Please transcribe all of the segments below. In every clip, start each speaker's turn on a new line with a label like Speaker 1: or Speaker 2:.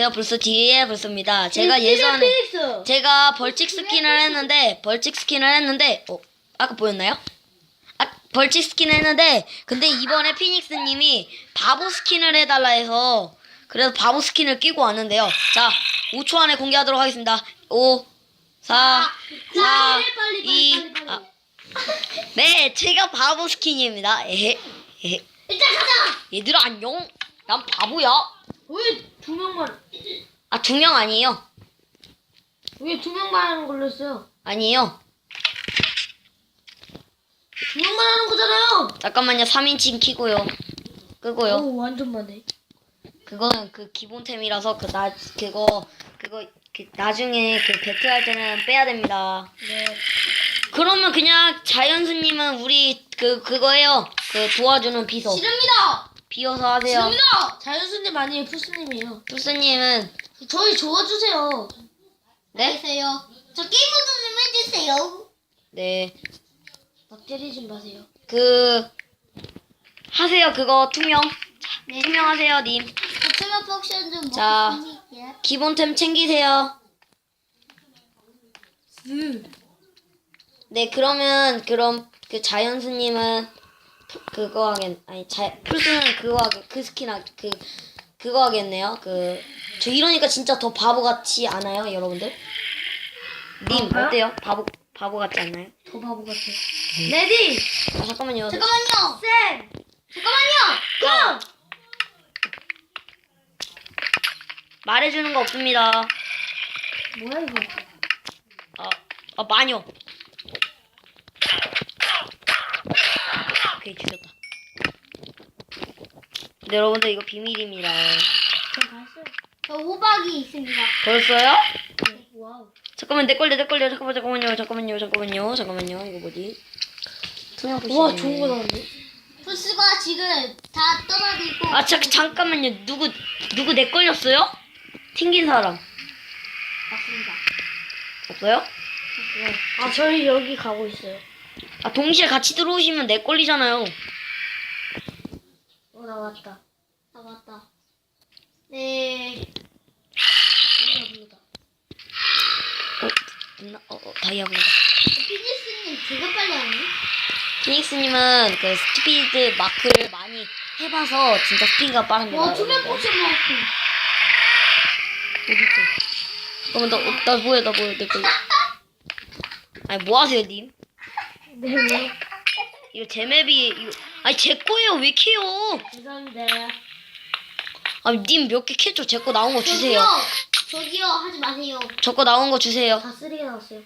Speaker 1: 안녕하세요. 불스TV의 불스입니다. 제가 예전에 제가 벌칙 스킨을 했는데 아까 보였나요? 벌칙 스킨을 했는데 근데 이번에 피닉스님이 바보 스킨을 해달라 해서 그래서 바보 스킨을 끼고 왔는데요. 자, 5초 안에 공개하도록 하겠습니다. 5, 4, 4, 2, 네, 제가 바보 스킨입니다. 에헤.
Speaker 2: 일단 가자.
Speaker 1: 얘들아 안녕. 난 바보야.
Speaker 2: 왜 두 명만?
Speaker 1: 아, 2명 아니에요.
Speaker 2: 왜 두 명만 하는 걸로 했어요?
Speaker 1: 아니에요.
Speaker 2: 두 명만 하는 거잖아요.
Speaker 1: 잠깐만요. 3인칭 키고요. 끄고요.
Speaker 2: 오, 완전 많네.
Speaker 1: 그거는 그 기본템이라서 그거 나중에 그 배틀할 때는 빼야 됩니다.
Speaker 2: 네.
Speaker 1: 그러면 그냥 자연수님은 우리 그거예요. 그 도와주는 비서.
Speaker 2: 싫습니다.
Speaker 1: 비어서 하세요.
Speaker 2: 싫습니다. 자연수님 아니에요, 푸스님이에요.
Speaker 1: 투스님은
Speaker 2: 저희 도와주세요.
Speaker 1: 네?
Speaker 2: 해주세요. 저 게임모드 좀 해주세요.
Speaker 1: 네.
Speaker 2: 막 때리지 마세요.
Speaker 1: 하세요. 그거 투명.
Speaker 2: 네.
Speaker 1: 투명하세요, 님.
Speaker 2: 투명 포션 좀 먹고
Speaker 1: 자.
Speaker 2: 싶은데.
Speaker 1: 기본템 챙기세요. 네, 그럼 그 자연수님은 그거 풀스는 그 스킨 그거 하겠네요. 저 이러니까 진짜 더 바보 같지 않아요, 여러분들? 님 어때요? 바보 같지 않나요?
Speaker 2: 더 바보 같아. 레디.
Speaker 1: 잠깐만요.
Speaker 2: 잠깐만요. 쌤. 잠깐만요. 고!
Speaker 1: 말해주는 거 없습니다.
Speaker 2: 뭐야 이거?
Speaker 1: 마녀. 오케이, 죽였다. 근데 여러분들 이거 비밀입니다.
Speaker 2: 저 봤어요. 저 호박이 있습니다.
Speaker 1: 벌써요?
Speaker 2: 와우.
Speaker 1: 잠깐만, 내 걸려. 잠깐만요. 이거 뭐지? 투명 표시.
Speaker 2: 와, 좋은 거 나왔네. 풀스가 지금 다 떠나들고.
Speaker 1: 잠깐만요. 누구 내 걸렸어요? 튕긴 사람.
Speaker 2: 맞습니다.
Speaker 1: 없어요?
Speaker 2: 아, 저희 여기 가고 있어요.
Speaker 1: 동시에 같이 들어오시면 내 걸리잖아요.
Speaker 2: 나 왔다. 나 왔다. 네.
Speaker 1: 다이아블로.
Speaker 2: 피니스님 되게 빨리 하네.
Speaker 1: 피닉스님은 그 스피드 마크를 많이 해봐서 진짜 스피드가 빠릅니다.
Speaker 2: 와, 투명 포션 먹었어.
Speaker 1: 어딨어? 잠깐만, 나 뭐야, 내 걸려. 아니, 뭐 하세요, 님?
Speaker 2: 네, 네.
Speaker 1: 이거 제 맵이, 아니, 제 거예요. 왜 캐요?
Speaker 2: 죄송합니다.
Speaker 1: 아니, 님 몇 개 캐죠? 제 거 나온 거 주세요.
Speaker 2: 저기요, 하지 마세요.
Speaker 1: 저 거 나온 거 주세요.
Speaker 2: 다 쓰레기 나왔어요.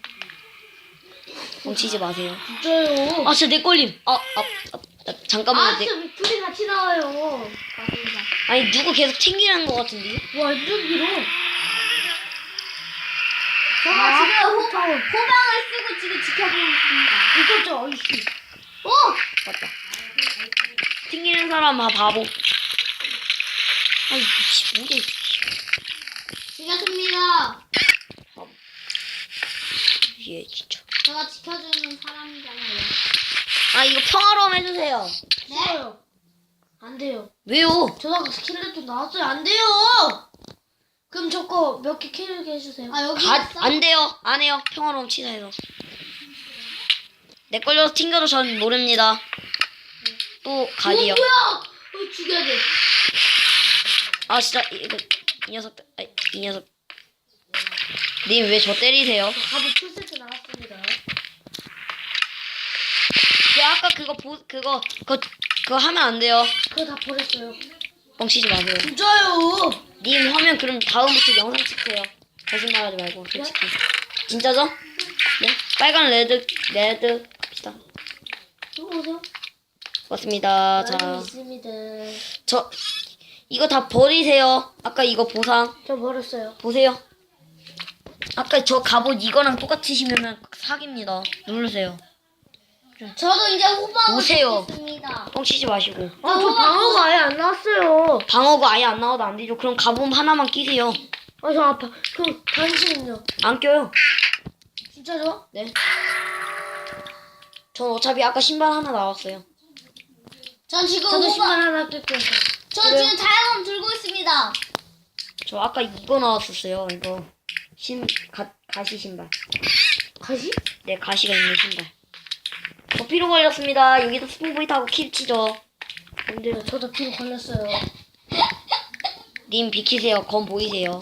Speaker 1: 뭉치지 마세요.
Speaker 2: 진짜요.
Speaker 1: 아, 진짜 내 걸림. 잠깐만요.
Speaker 2: 진짜 둘이 같이 나와요. 맞습니다.
Speaker 1: 아니, 누구 계속 튕기는 거 같은데?
Speaker 2: 완전 길어. 저가 지금 호방을 쓰고 지금 지켜보고 있습니다. 이거죠, 어이씨.
Speaker 1: 맞다. 튕기는 사람 바보. 아이, 미치, 뭐야.
Speaker 2: 지켰습니다.
Speaker 1: 얘 진짜.
Speaker 2: 제가 지켜주는 사람이잖아요.
Speaker 1: 이거 평화로움 해주세요.
Speaker 2: 네? 안 돼요.
Speaker 1: 왜요?
Speaker 2: 저다가 스킬렛도 나왔어요. 안 돼요. 그럼 저거 몇 개 캐리게 해주세요. 여기 있어?
Speaker 1: 안 돼요. 안 해요. 평화로움 치사해서. 내 걸려서 튕겨도 전 모릅니다. 또 가디요.
Speaker 2: 뭐야? 죽여야 돼.
Speaker 1: 진짜 이 녀석. 님 왜 저 때리세요?
Speaker 2: 갑옷 풀세트 나왔습니다.
Speaker 1: 아까 그거 하면 안 돼요.
Speaker 2: 그거 다 버렸어요.
Speaker 1: 뻥치지 마세요.
Speaker 2: 진짜요?
Speaker 1: 님 하면 그럼 다음부터 영상 찍세요. 거짓말하지 말고 솔직히. 진짜죠? 네? 빨간 레드 갑시다.
Speaker 2: 오세요.
Speaker 1: 맞습니다. 자,
Speaker 2: 있습니다.
Speaker 1: 이거 다 버리세요. 아까 이거 보상
Speaker 2: 저 버렸어요.
Speaker 1: 보세요. 아까 저 갑옷 이거랑 똑같으시면은 사기입니다. 누르세요.
Speaker 2: 저도 이제 호박을
Speaker 1: 오세요.
Speaker 2: 있습니다.
Speaker 1: 뻥치지 마시고.
Speaker 2: 저 방어가 아예 안 나왔어요.
Speaker 1: 방어가 아예 안 나와도 안 되죠. 그럼 갑옷 하나만 끼세요.
Speaker 2: 저 아파. 그럼 당신은요?
Speaker 1: 안 껴요.
Speaker 2: 진짜죠?
Speaker 1: 네. 전 어차피 아까 신발 하나 나왔어요.
Speaker 2: 전 지금
Speaker 1: 저도
Speaker 2: 호박.
Speaker 1: 신발 하나 낄게요.
Speaker 2: 전 지금 다이아몬드 들고 있습니다.
Speaker 1: 저 아까 이거 나왔었어요. 이거 가시 신발.
Speaker 2: 가시?
Speaker 1: 네, 가시가 있는 신발. 저 피로 걸렸습니다. 여기서 스포보이 타고 킬 치죠.
Speaker 2: 안 돼요. 저도 피로 걸렸어요.
Speaker 1: 님 비키세요. 검 보이세요.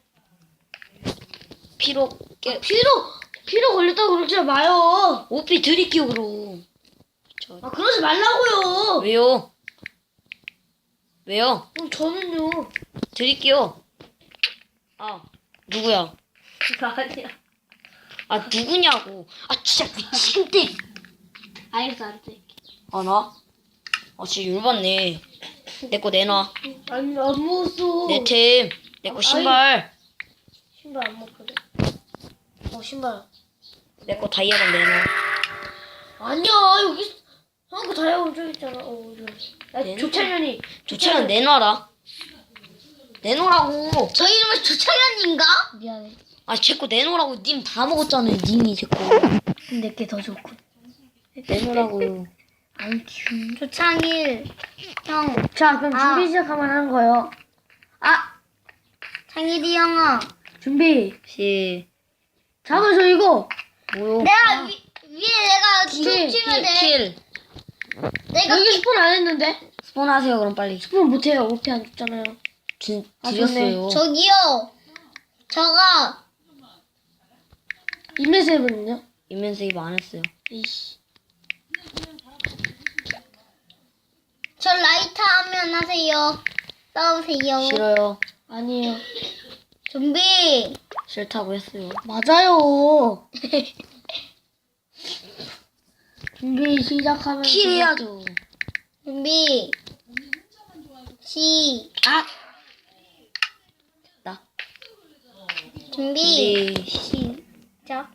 Speaker 1: 피로
Speaker 2: 피로 걸렸다고 그러지 마요.
Speaker 1: 오피 드릴게요 그럼.
Speaker 2: 아, 그러지 말라고요.
Speaker 1: 왜요? 왜요?
Speaker 2: 그럼 저는요.
Speaker 1: 드릴게요. 아 누구야?
Speaker 2: 아니야.
Speaker 1: 아 누구냐고. 아 진짜 미친데.
Speaker 2: 알겠어, 안 돼.
Speaker 1: 아 나? 아 진짜 열받네. 내 거 내놔.
Speaker 2: 아니, 안 먹었어.
Speaker 1: 내 템. 내 거 신발.
Speaker 2: 신발 안 먹거든. 신발.
Speaker 1: 내 거 다이아건 내놔.
Speaker 2: 아니야, 여기 한거 다이아몬드 저기 있잖아. 여기.
Speaker 1: 내놔.
Speaker 2: 조찬현이.
Speaker 1: 조차는 내놔라. 내놓으라고.
Speaker 2: 저 이름은 조찬현인가? 미안해.
Speaker 1: 아 제 거 내놓으라고. 님 다 먹었잖아요. 님이 제 거.
Speaker 2: 내게 더 좋고.
Speaker 1: 내놓으라고요.
Speaker 2: 아니, 조창일. 형. 자, 그럼 준비 시작하면 하는 거예요. 창일이 형아. 준비. 잠깐만, 저 이거.
Speaker 1: 뭐요?
Speaker 3: 내가 위에 내가
Speaker 2: 킬,
Speaker 3: 춤추면 돼.
Speaker 1: 킬.
Speaker 3: 내가
Speaker 2: 여기 스폰 안 했는데?
Speaker 1: 스폰 하세요 그럼 빨리.
Speaker 2: 스폰 못해요. 오피 안 줬잖아요.
Speaker 1: 드렸어요.
Speaker 3: 저기요. 저가
Speaker 2: 인맨 세븐은요?
Speaker 1: 인면 세이브 안 했어요.
Speaker 2: 이씨.
Speaker 3: 저 라이터 하면 하세요. 싸우세요.
Speaker 1: 싫어요.
Speaker 2: 아니에요.
Speaker 3: 준비.
Speaker 1: 싫다고 했어요.
Speaker 2: 맞아요. 준비 시작하면.
Speaker 1: 킬 해야죠.
Speaker 3: 준비. 시작.
Speaker 1: 나.
Speaker 3: 준비.
Speaker 1: 네.
Speaker 3: 시작.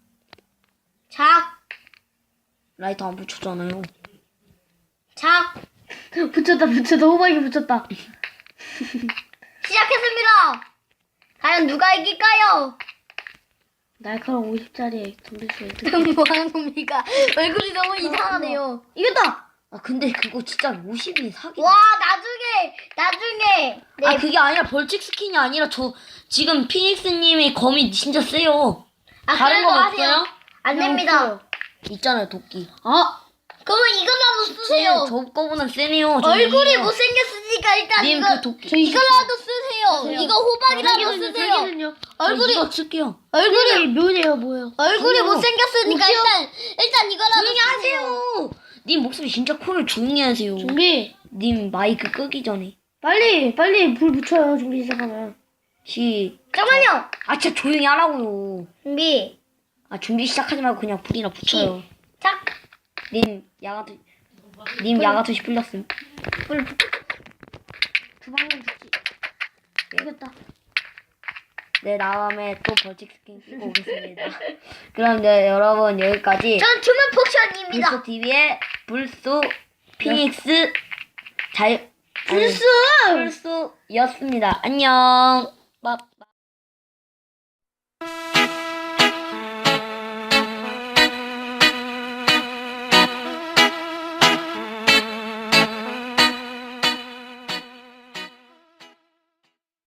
Speaker 3: 작.
Speaker 1: 라이터 안 붙였잖아요.
Speaker 3: 작.
Speaker 2: 붙였다. 호박이 붙였다.
Speaker 3: 시작했습니다. 과연 누가 이길까요?
Speaker 2: 날카로운 50짜리에 돌릴 수
Speaker 3: 뭐 하는 겁니까? 얼굴이 너무 이상하네요.
Speaker 2: 이겼다!
Speaker 1: 아 근데 그거 진짜 50이 사기.
Speaker 3: 와, 나중에. 네.
Speaker 1: 아 그게 아니라 벌칙 스킨이 아니라 저 지금 피닉스님의 검이 진짜 세요. 다른
Speaker 3: 그래도
Speaker 1: 거
Speaker 3: 하세요.
Speaker 1: 없어요?
Speaker 3: 안 됩니다.
Speaker 1: 있잖아요 도끼.
Speaker 3: 그러면 이거라도 쓰세요.
Speaker 1: 저 거보다 세네요.
Speaker 3: 얼굴이 못생겼으니까 일단
Speaker 1: 님
Speaker 3: 이거
Speaker 1: 그 도끼.
Speaker 3: 이거라도 쓰세요. 이거 호박이라도 쓰세요.
Speaker 2: 사기는요?
Speaker 3: 얼굴이
Speaker 1: 이거 쓸게요.
Speaker 2: 얼굴이 묘네요, 뭐예요?
Speaker 3: 얼굴이 못생겼으니까 일단 이거라도
Speaker 1: 조용히
Speaker 3: 쓰세요.
Speaker 1: 하세요. 님 목소리 진짜 커요. 조용히 하세요.
Speaker 2: 준비.
Speaker 1: 님 마이크 끄기 전에.
Speaker 2: 빨리 불 붙여요, 준비 시작하면.
Speaker 3: 잠깐만요.
Speaker 1: 아 진짜 조용히 하라고요.
Speaker 3: 준비.
Speaker 1: 아 준비 시작하지 말고 그냥 불이나 붙여요.
Speaker 3: 작.
Speaker 1: 님 야가토시 풀렸음.
Speaker 2: 두 방면 죽지. 이겼다.
Speaker 1: 네 다음에 또 벌칙 스킨 쓰고 오겠습니다. 그럼 네 여러분 여기까지
Speaker 3: 전 투명 포션입니다.
Speaker 1: 불소 TV의 불소 피닉스 불소였습니다. 안녕. 밥.